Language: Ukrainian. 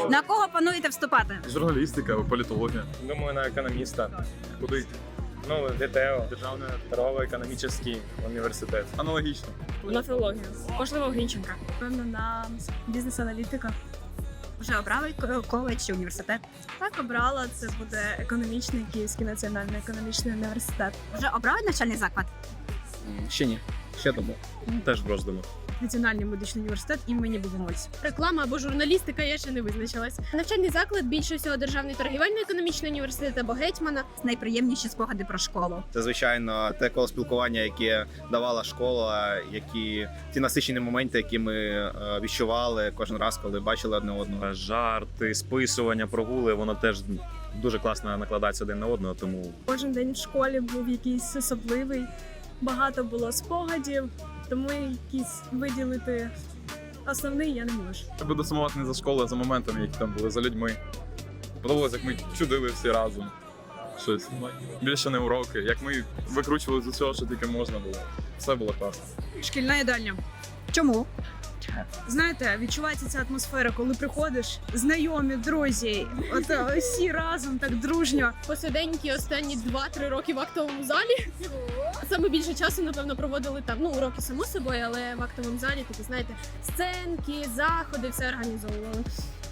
На кого плануєте вступати? Журналістика, політологія. Думаю, на економіста. Куди йти? Ну, ДТО, Державний торгово-економічний університет. Аналогічно. На філологію. Можливо, Грінченка. Певно, на бізнес-аналітика. Вже обрали коледж чи університет? Так, обрала. Це буде економічний, Київський національний економічний університет. Вже обрали навчальний заклад? Ще ні. Ще думав. Теж в роздуму. Національний медичний університет імені Богомольця. Реклама або журналістика, я ще не визначилась. Навчальний заклад більше всього Державний торгівельно-економічний університет або Гетьмана. Найприємніші спогади про школу. Це, звичайно, те коло спілкування, яке давала школа, ті насичені моменти, які ми відчували кожен раз, коли бачили одне одного. Жарти, списування, прогули, воно теж дуже класно накладається один на одного, тому Кожен день в школі був якийсь особливий. Багато було спогадів, тому якісь виділити основний я не можу. я буду сумувати не за школою, а за моментами, які там були, за людьми. Подобалось, як ми чудили всі разом. Щось. Більше не уроки, як ми викручували з усього, що тільки можна було. Все було класно. Шкільна їдальня. Чому? Знаєте, відчувається ця атмосфера, коли приходиш, знайомі, друзі, от всі разом так дружньо. Посиденькі останні 2-3 роки в актовому залі. Саме більше часу, напевно, проводили там, ну, уроки само собою, але в актовому залі, такі, знаєте, сценки, заходи, все організовували.